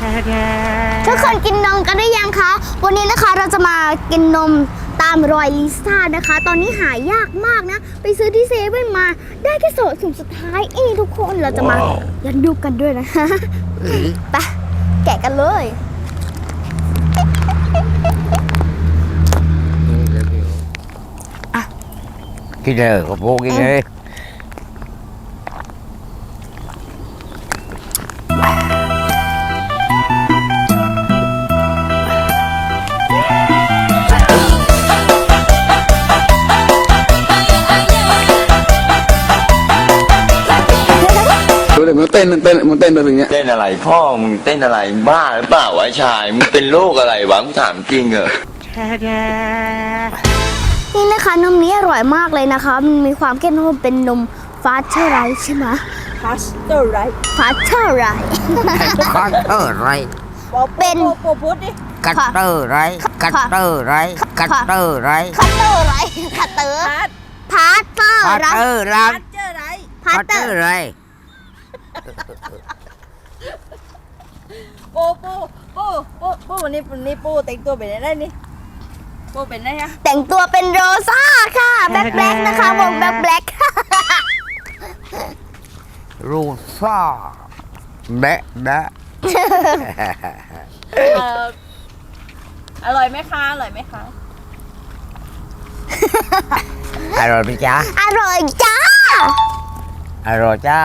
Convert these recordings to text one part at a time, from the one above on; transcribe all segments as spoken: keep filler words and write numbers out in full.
ทุกคนกินนมกันได้ยังคะวันนี้นะคะเราจะมากินนมตามรอยลิซ่านะคะตอนนี้หายากมากนะไปซื้อที่เซเว่นมาได้แค่โซนถุงสุดท้ายเองทุกคนเราจะมายันดูกันด้วยนะคะไปแกะกันเลยกินเลยกับพวกกินเลยดูเลยมันเต้นมันเต้นมันเต้นแบบเนี้ยเต้นอะไรพ่อมึงเต้นอะไรบ้าหรือเปล่าวะชายมึงเป็นโรคอะไรวะมึงถามจริงเหรอนี่นะคะนมนี้อร่อยมากเลยนะคะมันมีความเข้มข้นเป็นนมฟาสเชอร์ไรใช่ไหมฟาสเตอร์ไรฟาสเชอร์ไรคัตเตอร์ไรเป็นโปพูดดิคัตเตอร์ไรคัตเตอร์ไรคัตเตอร์ไรคัตเตอร์ไรคัตเตอร์ฟาสพาสเตอร์คัตไรเตอร์ไรฟาสเจอร์ไรพาคัสตเตเตออร์ร์ไรโปปูปูปูปูวันนี้วันนี้ปูแต่งตัวเป็นอะไรนี่ปูเป็นอะไรอะแต่งตัวเป็นโรซ่าค่ะแบล็คแบล็คนะคะวงแบล็คแบล็ครูซ่าแบะแบะเอ่ออร่อยไหมคะอร่อยไหมคะอร่อยไหมจ๊ะอร่อยจ้าอร่อยจ้า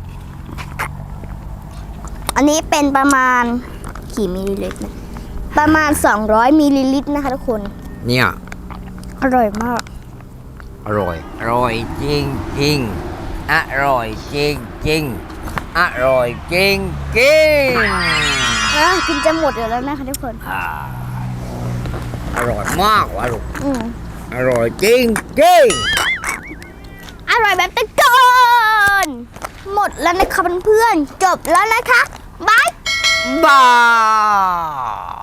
อันนี้เป็นประมาณกี่มิลลิลิตรนะประมาณสองร้อยมิลลิลิตรนะคะทุกคนเนี่ยอร่อยมากอร่อยอร่อยจริงจริงอร่อยจริงจริงอร่อยจริงจริงอ่ะกินจะหมดอยู่แล้วนะคะทุกคนอ่าอร่อยมากวะลูกอืมอร่อยจริงจริงอร่อยแบบตะโกนหมดแล้วนะคะเพื่อนๆจบแล้วนะคะบายบ้า